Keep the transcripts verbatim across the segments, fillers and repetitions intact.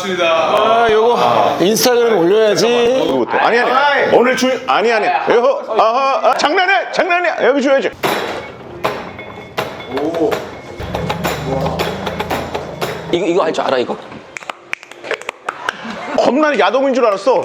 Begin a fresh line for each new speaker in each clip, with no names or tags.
반갑습니다.
아, 요거 인스타그램에 올려야지.
이거부터. 아니 아니. 오늘 주 아니 아니. 여호. 아하. 아, 장난해. 장난이야. 여기 줘야지.
오.
이거 이거 할 줄 알아 이거?
겁나 야동인 줄 알았어.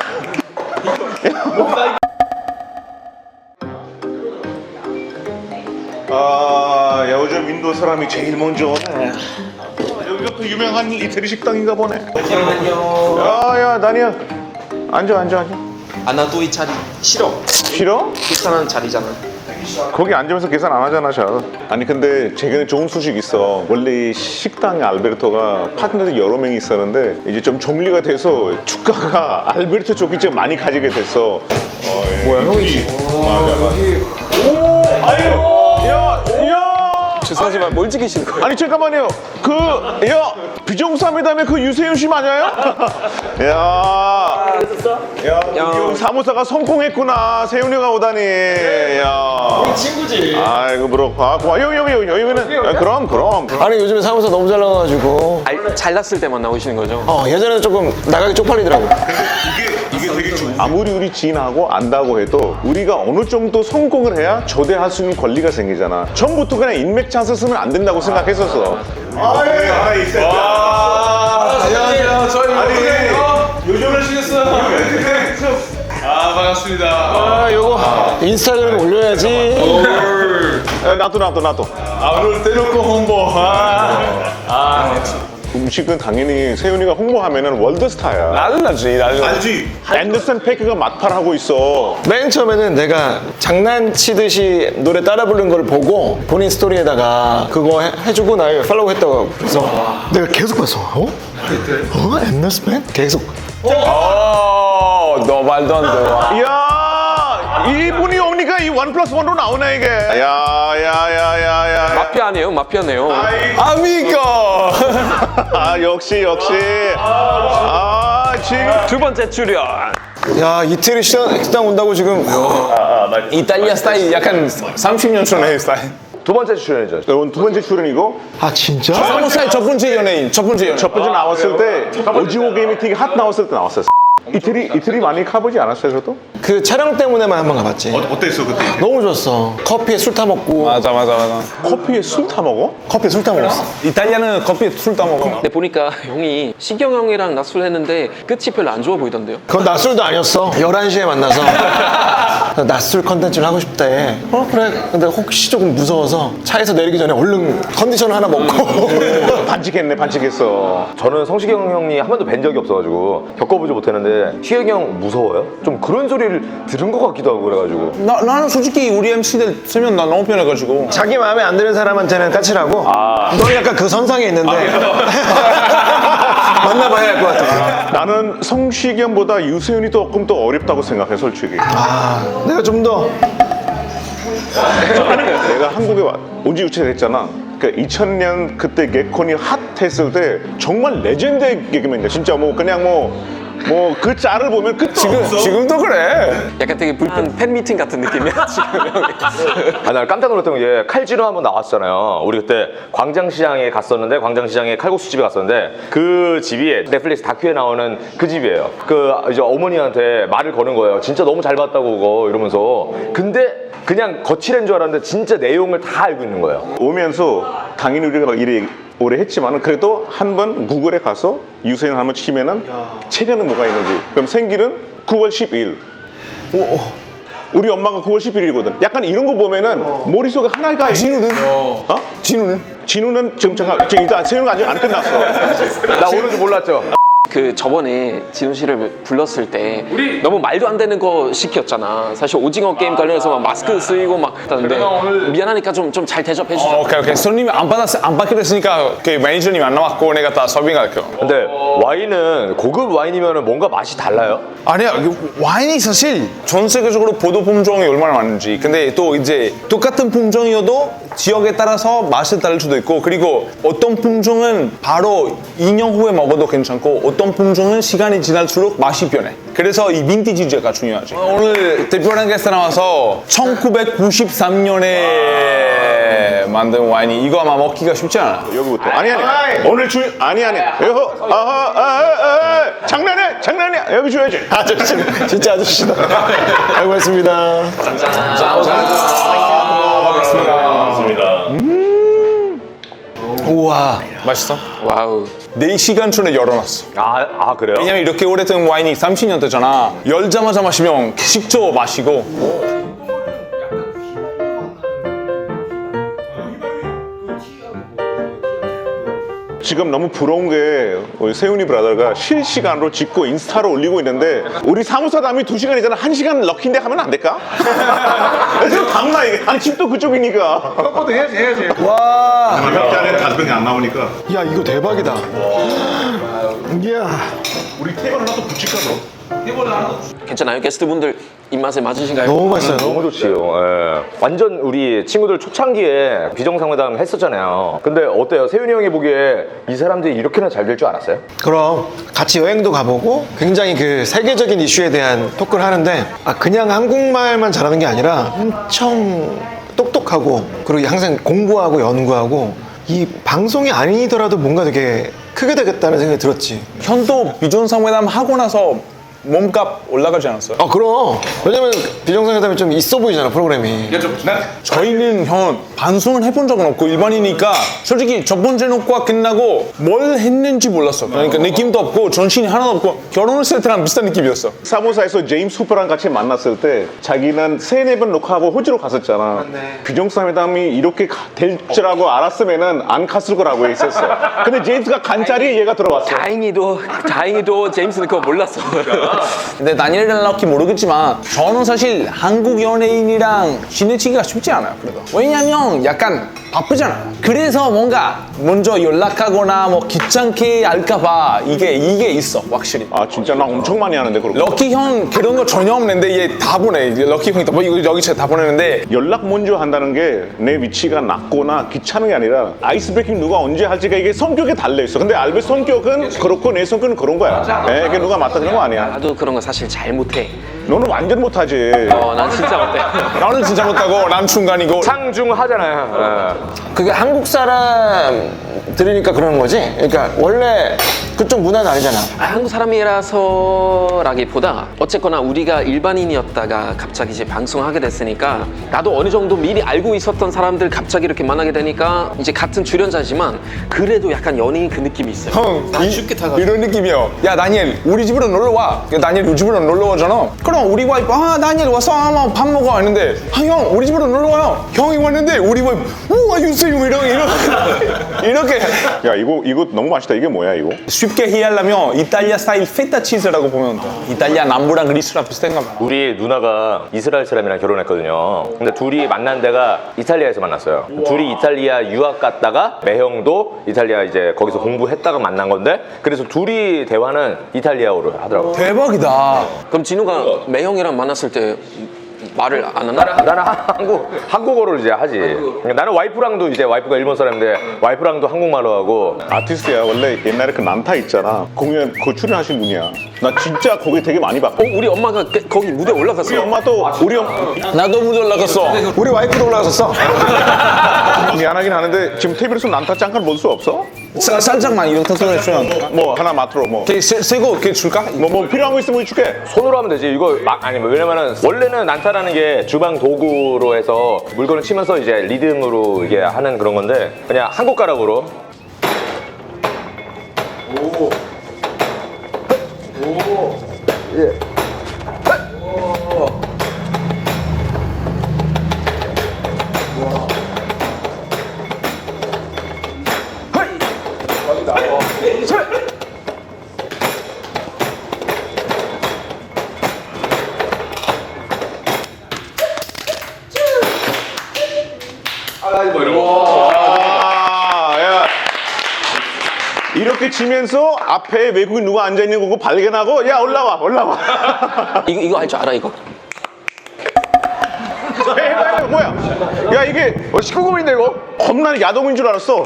아, 요즘 인도 사람이 제일 먼저 오네. 여기가 또 유명한 이태리 식당인가 보네.
잠깐만요.
야, 야, 다니야. 앉아, 앉아, 앉아.
아 나 또 이 자리 싫어.
싫어?
비싼 자리잖아.
거기 앉으면서 계산 안 하잖아, 잘. 아니 근데 최근에 좋은 소식 있어. 원래 이 식당에 알베르토가 파트너들이 여러 명이 있었는데 이제 좀 정리가 돼서 주가가 알베르토 쪽이 좀 많이 가지게 됐어. 어, 예.
뭐야, 형이지?
맞아, 맞아. 오, 아유, 야, 야.
죄송하지만 뭘 찍으시는 거예요?
아니 잠깐만요. 그, 야, 비정상회담에 그 유세윤 씨 맞아요? 야, 야, 야. 사무사가 성공했구나. 세윤이가 오다니. 야,
우리 친구지.
아이고 그렇고, 아, 고마. 여기 여기 여기 여기는. 야, 그럼 그럼.
아니, 요즘에 사무사 너무 잘 나가가지고.
알, 잘났을 때만 나오시는 거죠?
어, 예전에는 조금 나가기 쪽팔리더라고.
이게 이게 되게 중. 아무리 우리 지인하고 안다고 해도 우리가 어느 정도 성공을 해야 초대할 수 있는 권리가 생기잖아. 처음부터 그냥 인맥 찬스 쓰면 안 된다고 생각했었어. 아, 예. 하나 있어.
와. 안녕하세요. 저희 아니 요즘을 쉬겠어요. 아 반갑습니다.
아, 요거 인스타그램에 올려야지.
야, 나도 나도 나도.
아 오늘 대놓고 홍보. 아. 아.
음식은 당연히 세윤이가 홍보하면은 월드스타야.
나는 나지, 나는.
알지? 앤더슨 페이크가 맛팔하고 있어.
맨 처음에는 내가 장난치듯이 노래 따라 부르는 걸 보고 본인 스토리에다가 그거 해, 해주고 날 팔로우 했다고. 그래서 내가 계속 봤어. 어? 어? 앤더스맨? 계속.
어, 너 말도 안 돼.
이야, 이분이 오니까 이 원 플러스 원으로 나오네 이게. 야야야야야.
마피아 아니에요? 마피아네요.
아미고.
아 역시 역시. 아 지금.
두 번째 출연.
야, 이태리 식당, 식당 온다고 지금.
이탈리아 스타일 약간 삼십 년 전 헤어스타일.
두 번째 출연이죠.
여러분 두 번째 출연이고
아, 진짜?
사무사의 첫 번째 연예인, 첫 번째 연예인.
첫 번째 나왔을 때 오징어 게임 미팅이 핫 나왔을 때 나왔었어. 이틀이 이틀이 많이 가보지 않았어요, 저도?
그 촬영 때문에만 한번 가봤지.
어땠어 그때?
너무 좋았어. 커피에 술 타 먹고.
맞아, 맞아, 맞아.
커피에 술 타 먹어?
커피에 술 타 먹었어.
이탈리아는 커피에 술 따먹어.
근데 보니까 형이 시경 형이랑 낮술 했는데 끝이 별로 안 좋아 보이던데요?
그건 낮술도 아니었어. 열한 시에 만나서 낮술 컨텐츠를 하고 싶대. 어, 그래. 근데 혹시 조금 무서워서 차에서 내리기 전에 얼른 컨디션을 하나 먹고.
반칙했네, 반칙했어.
저는 성시경 형이 한 번도 뵌 적이 없어가지고 겪어보지 못했는데 시경이 형 무서워요? 좀 그런 소리를 들은 것 같기도 하고 그래가지고.
나, 나는 솔직히 우리 엠씨들 쓰면 나 너무 편해가지고.
자기 마음에 안 드는 사람한테는 까칠하고. 넌 약간 그 선상에 있는데. 만나봐야 할 것 같아.
나는 성시경보다 유세윤이 조금 더 어렵다고 생각해, 솔직히.
아, 내가 좀 더.
내가 한국에 온 지 유치를 했잖아. 그러니까 이천 년 그때 개콘이 핫했을 때 정말 레전드의 개그맨이야. 진짜 뭐 그냥 뭐 뭐 그 짤을 보면 끝도 없어.
지금도 그래.
약간 되게 불편 팬미팅 같은 느낌이야 지금 형이.
아, 나 깜짝 놀랐던 게 칼질로 한번 나왔잖아요. 우리 그때 광장시장에 갔었는데 광장시장에 칼국수 집에 갔었는데 그 집이 넷플릭스 다큐에 나오는 그 집이에요. 그 이제 어머니한테 말을 거는 거예요. 진짜 너무 잘 봤다고 그거 이러면서. 근데 그냥 거칠한 줄 알았는데 진짜 내용을 다 알고 있는 거예요.
오면서 당연히 우리가 막 이래 오래 했지만은 그래도 한 번 구글에 가서 유세윤 한번 치면은 최근에 뭐가 있는지. 그럼 생일은 구월 십일. 우리 엄마가 구월 십일이거든. 약간 이런 거 보면은 머릿속에 하나가
진우는?
어?
진우는?
진우는 지금 잠깐 지금 일단 세윤이가 아직 안 끝났어.
나 오는 줄 몰랐죠.
그 저번에 진우 씨를 불렀을 때 너무 말도 안 되는 거 시켰잖아. 사실 오징어 게임 관련해서 막 마스크 쓰이고 막 했다는데 미안하니까 좀 좀 잘 대접해 주자.
어, 오케이, 오케이. 손님이 안 받았, 안 받기로 했으니까 그 매니저님 안 나왔고 내가 다 서빙할게요.
근데 와인은 고급 와인이면 뭔가 맛이 달라요?
아니야, 그 와인이 사실 전 세계적으로 포도 품종이 얼마나 많은지. 근데 또 이제 똑같은 품종이어도 지역에 따라서 맛이 다를 수도 있고, 그리고 어떤 품종은 바로 이 년 후에 먹어도 괜찮고 어떤 품종은 시간이 지날수록 맛이 변해. 그래서 이 빈티지가 중요하지. 오늘 대표랑 게스트 나와서 천구백구십삼 년에 만든 와인이 이거 아마 먹기가 쉽지 않아.
여기부터. 아니 아니. 오늘 주 아니 아니. 여호. 아하. 아. 여기 줘야지.
아저씨, 진짜 아저씨다. 잘 고맙습니다. 우와.
맛있어?
와우.
네 시간 전에 열어놨어.
아, 아 그래요?
왜냐면 이렇게 오래된 와인이 삼십 년 되잖아. 열자마자 마시면 식초 마시고.
지금 너무 부러운 게 우리 세훈이 브라더가 실시간으로 찍고 인스타로 올리고 있는데 우리 사무사담이 두 시간이잖아. 한 시간 럭키인데 하면 안 될까? 지금 당나 이게. 아니 집도 그쪽이니까. 컴포트 해야지 해야지.
와.
몇 잔에 다섯 병이 안 나오니까.
야, 이거 대박이다. 이야.
우리 테이블 하나 또 붙일까 너?
괜찮아요? 게스트분들 입맛에 맞으신가요?
너무 맛있어요.
너무 좋지요. 예. 완전 우리 친구들 초창기에 비정상회담 했었잖아요. 근데 어때요? 세윤이 형이 보기에 이 사람들이 이렇게나 잘 될 줄 알았어요?
그럼 같이 여행도 가보고 굉장히 그 세계적인 이슈에 대한 토크를 하는데 아 그냥 한국말만 잘하는 게 아니라 엄청 똑똑하고 그리고 항상 공부하고 연구하고 이 방송이 아니더라도 뭔가 되게 크게 되겠다는 생각이 들었지.
현도 비정상회담 하고 나서 몸값 올라가지 않았어요?
아 그럼 왜냐면 비정상회담이 좀 있어 보이잖아 프로그램이.
저희는 형 방송을 해본 적은 없고 일반이니까 솔직히 첫 번째 녹화 끝나고 뭘 했는지 몰랐어. 그러니까 느낌도 없고 정신이 하나도 없고 결혼했을 때랑 비슷한 느낌이었어.
사무사에서 제임스 후퍼랑 같이 만났을 때 자기는 세네 번 녹화하고 호주로 갔었잖아. 비정상회담이 이렇게 가- 될 줄알고 알았으면은 안 갔을 거라고 했었어. 근데 제임스가 간짜리 얘가 들어왔어.
다행히도 다행히도 제임스는 그거 몰랐어.
근데 다니엘은 럭키 모르겠지만 저는 사실 한국 연예인이랑 지내치기가 쉽지 않아요. 그래도 왜냐면 약간 바쁘잖아요. 그래서 뭔가 먼저 연락하거나 뭐 귀찮게 할까봐 이게 이게 있어 확실히.
아 진짜 나 엄청 많이 하는데 그렇게.
럭키 형 그런 거 전혀 없는데 얘 다 보내. 이제 럭키 형이 뭐 이거 여기 다 보내는데
연락 먼저 한다는 게 내 위치가 낮거나 귀찮은 게 아니라 아이스 브레이킹 누가 언제 할지가 이게 성격에 달려 있어. 근데 알베 성격은 그렇고 내 성격은 그런 거야. 예, 이게 누가 맞다 그런 거 아니야.
나도 그런 거 사실 잘 못해.
너는 완전 못하지.
어, 난 진짜 못해.
나는 진짜 못하고 난 중간이고.
상중하잖아요.
그게 한국 사람 들으니까 그러는 거지. 그러니까 원래 그쪽 문화는 아니잖아.
아, 한국 사람이라서라기보다 어쨌거나 우리가 일반인이었다가 갑자기 이제 방송하게 됐으니까 나도 어느 정도 미리 알고 있었던 사람들 갑자기 이렇게 만나게 되니까 이제 같은 출연자지만 그래도 약간 연예인 그 느낌이 있어요.
형 이, 이런 느낌이요. 야 다니엘 우리 집으로 놀러 와. 야, 다니엘 우리 집으로 놀러 오잖아. 그럼 우리 와이프 아 다니엘 와서 한번 밥 먹어 했는데 아 형 우리 집으로 놀러 와요. 형이 왔는데 우리 와이프 우와 유세윤 이런 이런 이렇게
야 이거 이거 너무 맛있다. 이게 뭐야 이거?
쉽게 이해하려면 이탈리아 스타일 페타 치즈라고 보면 돼. 이탈리아 남부랑 그리스랑 비슷한가 봐.
우리 누나가 이스라엘 사람이랑 결혼했거든요. 근데 둘이 만난 데가 이탈리아에서 만났어요. 둘이 이탈리아 유학 갔다가 매형도 이탈리아 이제 거기서 공부했다가 만난 건데 그래서 둘이 대화는 이탈리아어로 하더라고요.
대박이다.
그럼 진우가 매형이랑 만났을 때 말을 안 하나?
나는 한국 한국어를 이제 하지. 그러니까 나는 와이프랑도 이제 와이프가 일본 사람인데 와이프랑도 한국말로 하고.
아티스트야. 원래 옛날에 그 난타 있잖아. 공연 그 출연하신 분이야. 나 진짜 거기 되게 많이 봤고.
어, 우리 엄마가 그- 거기 무대 올라갔어.
우리 엄마도 우리 엄
나도 못 올라갔어.
우리 와이프도 올라갔었어.
미안하긴 하는데 지금 테이블에서 난타 잠깐 볼 수 없어?
사, 살짝만 이렇게 터트려주면.
뭐 하나 맛으로 뭐.
새거 이렇게 줄까?
뭐, 뭐 필요한 거 있으면 줄게.
손으로 하면 되지. 이거 막 아니 왜냐면은 원래는 난타라는 게 주방 도구로 해서 물건을 치면서 이제 리듬으로 이게 하는 그런 건데 그냥 한국 가락으로.
아, 야. 이렇게 치면서 앞에 외국인 누가 앉아 있는 거고 발견하고 야 올라와 올라와.
이거 이거 할 줄 알아 이거?
해봐 해봐 뭐야? 야 이게 십구 금인데 이거? 겁나 야동인 줄 알았어.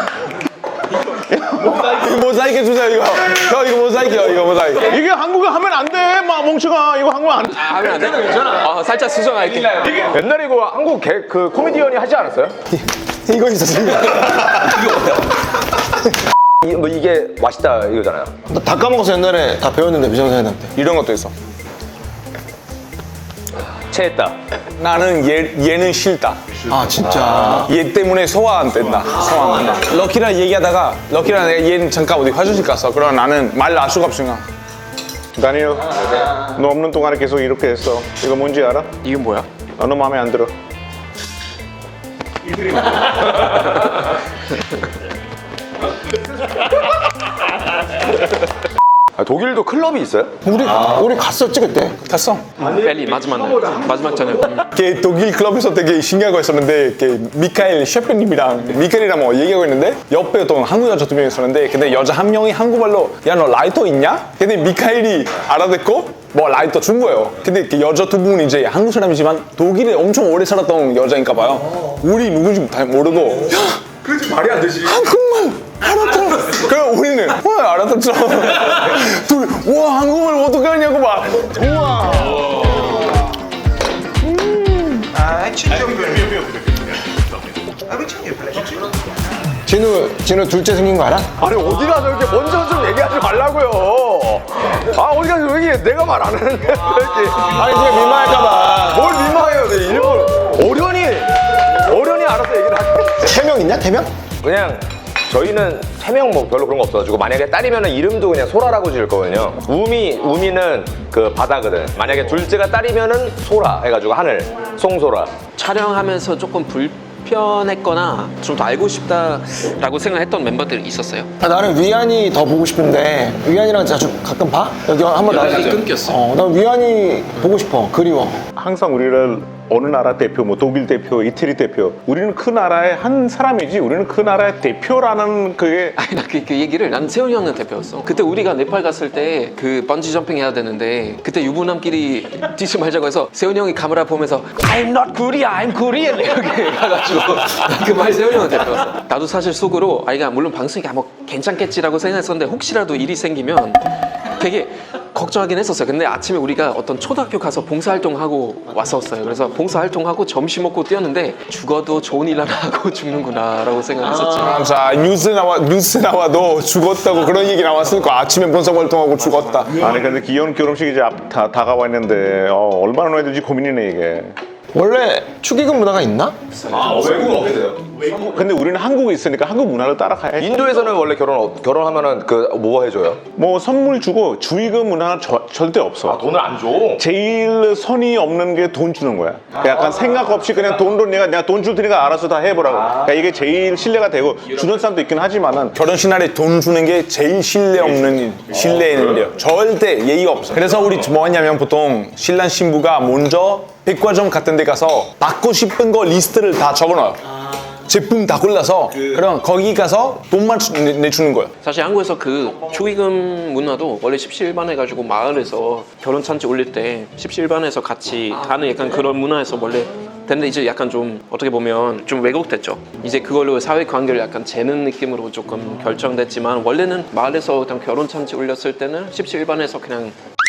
이거 모자이크 주세요 이거. 저 이거 모자이크요 이거 모자이크.
이게 한국에 하면 안 돼, 막 멍청아. 이거 한국 안 돼.
아, 하면 안 돼? 괜찮아. 어, 살짝 수정할게.
옛날에 이거 한국 개, 그 코미디언이 하지 않았어요?
이거 있었어. 이거.
이, 뭐 이게 맛있다 이거잖아요.
나 다 까먹어서 옛날에 다 배웠는데 미정사님한테.
이런 것도 있어.
체했다.
나는 얘, 얘는 싫다.
아 진짜.
얘 때문에 소화 안 된다. 소화 안 된다. 럭키랑 얘기하다가 럭키랑 내가 얘는 잠깐 어디 화장실 갔어. 그럼 나는 말 날 수가 없으니까.
다니엘, 너 없는 동안에 계속 이렇게 했어. 이거 뭔지 알아?
이건 뭐야?
아, 너 마음에 안 들어.
아, 독일도 클럽이 있어요?
우리 우리 갔었지 그때.
갔어.
벨리 마지막 날 마지막 저녁.
걔 독일 클럽에서 되게 신기한 거 있었는데 걔 미카엘 셰프님이랑 미카엘이랑 뭐 얘기하고 있는데 옆에 어떤 한국 여자 두 명 있었는데 근데 여자 한 명이 한국말로 야 너 라이터 있냐? 근데 미카엘이 알아듣고 뭐 라이터 준 거예요. 근데 그 여자 두 분은 이제 한국 사람이지만 독일에 엄청 오래 살았던 여자인가 봐요. 우리 누군지 다 모르고
그렇지 말이 안 되지.
한국말 알아들어. 그럼 우리는 와 알아듣죠. 둘이 와 한국말 어떻게 하냐고 막. 우와.
진우 진우 둘째 생긴 거 알아?
아니 어디 가서 이렇게 먼저 좀 얘기하지 말라고요. 아 어디 가서 왜 이렇게 내가 말 안 하는데 왜 이렇게
아니 네가 민망할까봐.
뭘 민망해요. 내 일부러 어련히 어련히 알아서 얘기를 하게.
태명 있냐 태명?
그냥 저희는 태명 뭐 별로 그런 거 없어가지고 만약에 딸이면은 이름도 그냥 소라라고 지을 거거든요. 우미 우미는 그 바다거든. 만약에 둘째가 딸이면은 소라 해가지고 하늘 송소라.
촬영하면서 조금 불편했거나 좀 더 알고 싶다라고 생각했던 멤버들이 있었어요.
아, 나는 위안이 더 보고 싶은데 위안이랑 자주 가끔 봐? 여기 한번
연락이
나와서.
끊겼어.
어, 난 위안이 보고 싶어. 그리워.
항상 우리를 어느 나라 대표, 뭐 독일 대표, 이태리 대표, 우리는 그 나라의 한 사람이지 우리는 그 나라의 대표라는 그게
아니 나 그 그 얘기를 난 세훈이 형은 대표였어. 그때 우리가 네팔 갔을 때 그 번지 점핑 해야 되는데 그때 유부남끼리 뛰지 말자고 해서 세훈이 형이 카메라 보면서 I'm not Korea, I'm Korean 이렇게 가가지고 그 말 세훈이 형은 대표였어. 나도 사실 속으로 아이가 물론 방송이 뭐 괜찮겠지라고 생각했었는데 혹시라도 일이 생기면 되게 걱정하긴 했었어요. 근데 아침에 우리가 어떤 초등학교 가서 봉사활동하고 왔었어요. 그래서 봉사활동하고 점심 먹고 뛰었는데 죽어도 좋은 일 하나 하고 죽는구나라고 생각했었지.
아, 자 뉴스 나와 뉴스 나와도 죽었다고 그런 얘기 나왔으니까 아침에 본성 활동하고 죽었다.
아니 근데 귀여운 결혼식이 이제 앞, 다, 다가와 있는데 어, 얼마나 넣어야 될지 고민이네 이게.
원래 축의금 문화가 있나?
외국은 어떻게 돼요?
근데 우리는 한국에 있으니까 한국 문화를 따라가야지.
인도에서는 원래 결혼 어- 결혼하면은 그 뭐 해줘요?
뭐 선물 주고 주의금 문화는 저- 절대 없어.
돈을 안 줘.
제일 선이 없는 게 돈 주는 거야. 약간 생각 없이 그냥 돈도 내가 내가 돈 줄 테니까 알아서 다 해보라고. 그러니까 이게 제일 신뢰가 되고 주는 사람도 있긴 하지만은
결혼식 날에 돈 주는 게 제일 신뢰 없는 일, 신뢰는 일이에요. 절대 예의가 없어. 그래서 우리 뭐 하냐면 보통 신랑 신부가 먼저 백화점 같은 데 가서 받고 싶은 거 리스트를 다 적어놔요. 제품 다 골라서 그럼 거기 가서 돈만 주- 내- 내주는 거예요.
사실 한국에서 그 축의금 문화도 원래 십시일반 해가지고 마을에서 결혼 잔치 올릴 때 십시일반에서 같이 하는 약간 그런 문화에서 원래 근데 이제 약간 좀 어떻게 보면 좀 왜곡됐죠. 이제 그걸로 사회 관계를 약간 재는 느낌으로 조금 결정됐지만 원래는 마을에서 어떤 결혼 잔치 올렸을 때는 십시일반에서 그냥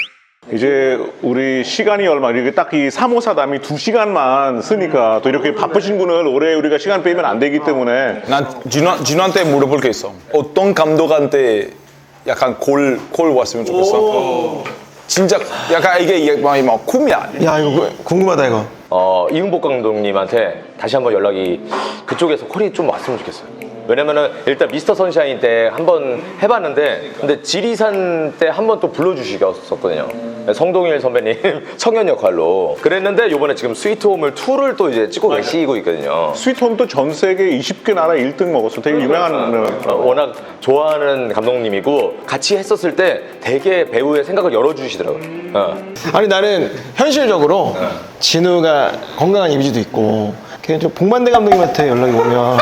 이제 우리 시간이 얼마 이렇게 딱 이 삼호사담이 두 시간만 쓰니까 또 이렇게 바쁘신 분을 오래 우리가 시간 빼면 안 되기 때문에
난 진우, 진우한테 물어볼 게 있어. 어떤 감독한테 약간 골, 골 왔으면 좋겠어? 진짜 약간 이게 이게 막, 막 꿈이야.
야 이거 궁금하다 이거.
어, 이응복 감독님한테 다시 한번 연락이 그쪽에서 콜이 좀 왔으면 좋겠어요. 왜냐면은 일단 미스터 선샤인 때 한번 해봤는데 근데 지리산 때 한 번 또 불러주시겠었거든요. 성동일 선배님 청년 역할로 그랬는데 요번에 지금 스위트홈을 이를 또 이제 찍고 계시고 있거든요.
스위트홈도 전 세계 스무 개 나라 일 등 먹었어. 되게 유명한
어, 워낙 좋아하는 감독님이고 같이 했었을 때 되게 배우의 생각을 열어주시더라고요. 어.
아니 나는 현실적으로 진우가 건강한 이미지도 있고 걔 좀 복만대 감독님한테 연락이 오면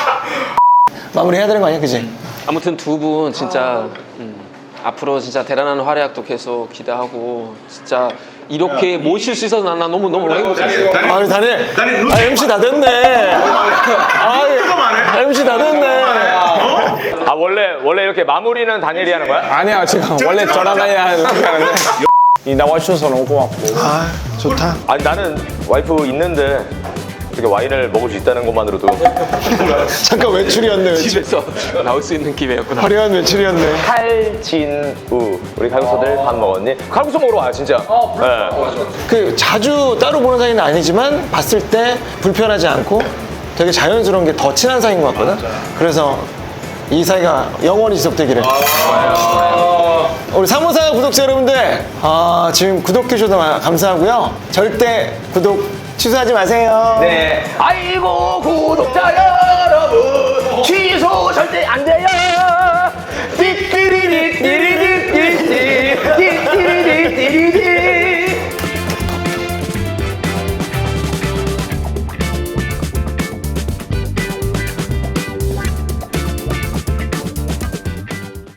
마무리해야 되는 거 아니야, 그지?
아무튼 두 분 진짜 음, 앞으로 진짜 대단한 활약도 계속 기대하고 진짜 이렇게 모실 수 있어서 난, 난 너무 너무 행복했어요.
아니 다니엘, 아 엠씨 다 됐네. 아 엠씨 다 됐네.
아 원래 원래 이렇게 마무리는 다니엘이 하는 거야?
아니야 지금 원래 저랑 나야 이렇게 하는데 이 나와주셔서 너무 고맙고.
아 좋다.
아니 나는 와이프 있는데 이렇게 와인을 먹을 수 있다는 것만으로도
잠깐 외출이었네, 외출.
집에서 나올 수 있는 기회였구나.
화려한 외출이었네.
칼진우 우리 칼국수들 밥 먹었니? 칼국수 먹으러 와요 진짜. 네.
그 자주 따로 보는 사이는 아니지만 봤을 때 불편하지 않고 되게 자연스러운 게 더 친한 사이인 것 같거든. 그래서 이 사이가 영원히 지속되기를. 우리 사무사 구독자 여러분들, 아, 지금 구독해 주셔서 감사하고요. 절대 구독 취소하지 마세요.
네. 아이고 구독자 여러분 취소 절대 안 돼요. 띠띠리리 띠리리 띠띠 띠띠리리 띠리